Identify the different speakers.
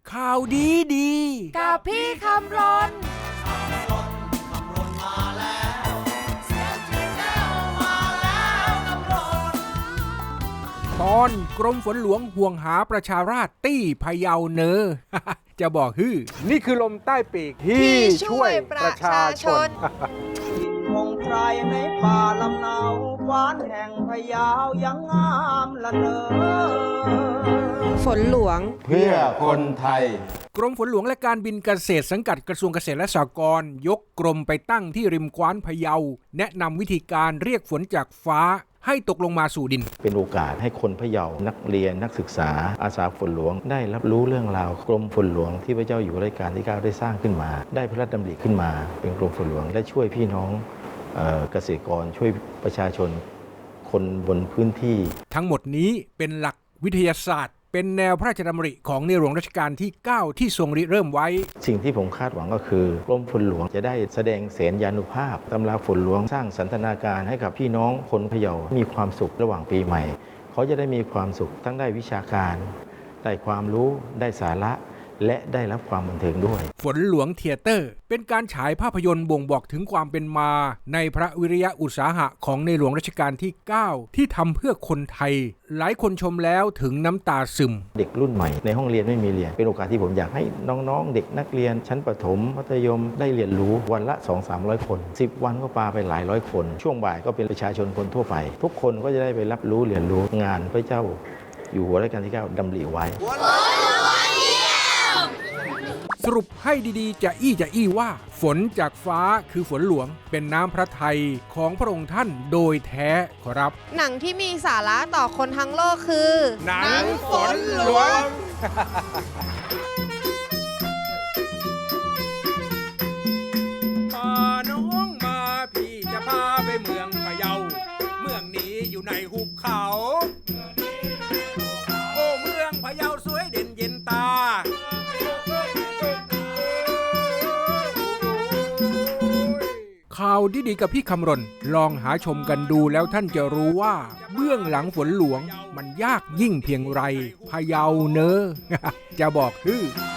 Speaker 1: ข่าวดีดี
Speaker 2: กับพี่คำรน
Speaker 1: ตอนกรมฝนหลวงห่วงหาประชาราษฎร์ตี้พะเยาเนอ จะบอกฮือนี่คือลมใต้ปีกที่ช่วยประชาชน
Speaker 3: ถิ่นของใครในป่าลำเนาฟ้านแห่งพะเยายังงามละเนอ
Speaker 2: ฝนหลวง
Speaker 4: เพื่อคนไทย
Speaker 1: กรมฝนหลวงและการบินเกษตรสังกัดกระทรวงเกษตรและสหกรณ์ยกกรมไปตั้งที่ริมกว้านพะเยาแนะนำวิธีการเรียกฝนจากฟ้าให้ตกลงมาสู่ดิน
Speaker 4: เป็นโอกาสให้คนพะเยานักเรียนนักศึกษาอาสาฝนหลวงได้รับรู้เรื่องราวกรมฝนหลวงที่พระเจ้าอยู่หัวรัชกาลที่ 9ได้สร้างขึ้นมาได้พระราชดำริขึ้นมาเป็นกรมฝนหลวงและช่วยพี่น้องเกษตรกรช่วยประชาชนคนบนพื้นที่
Speaker 1: ทั้งหมดนี้เป็นหลักวิทยาศาสตร์เป็นแนวพระราชดำริของในหลวงรัชกาลที่ 9ที่ทรงริเริ่มไว้
Speaker 4: สิ่งที่ผมคาดหวังก็คือกรมฝนหลวงจะได้แสดงเสนยานุภาพตำราฝนหลวงสร้างสันทนาการให้กับพี่น้องคนพะเยามีความสุขระหว่างปีใหม่เขาจะได้มีความสุขทั้งได้วิชาการได้ความรู้ได้สาระและได้รับความบันเทิงด้วย
Speaker 1: ฝนหลวงเธียเตอร์เป็นการฉายภาพยนตร์บ่งบอกถึงความเป็นมาในพระวิริยะอุตสาหะของในหลวงรัชกาลที่ 9ที่ทำเพื่อคนไทยหลายคนชมแล้วถึงน้ำตาซึม
Speaker 4: เด็กรุ่นใหม่ในห้องเรียนไม่มีเรียนเป็นโอกาสที่ผมอยากให้น้องๆเด็กนักเรียนชั้นประถมมัธยมได้เรียนรู้วันละ 200-300 คน10วันก็ปาไปหลายร้อยคนช่วงบ่ายก็เป็นประชาชนคนทั่วไปทุกคนก็จะได้ไปรับรู้เรียนรู้งานพระเจ้าอยู่หัวรัชกาลที่ 9ดำริไว้
Speaker 1: สรุปให้ดีๆจะอี้ว่าฝนจากฟ้าคือฝนหลวงเป็นน้ำพระทัยของพระองค์ท่านโดยแท้ขอรับ
Speaker 2: หนังที่มีสาระต่อคนทั้งโลกคือ
Speaker 1: หนังฝนหลวงมาน้องมาพี่จะพาไปเมืองพะเยาเมืองนี้อยู่ในหุบเขาโอ้เมืองพะเยาสวยเด่นเย็นตาข่าวดีๆกับพี่คำรณลองหาชมกันดูแล้วท่านจะรู้ว่าเบื้องหลังฝนหลวงมันยากยิ่งเพียงไรพะเยาเนอ จะบอกคือ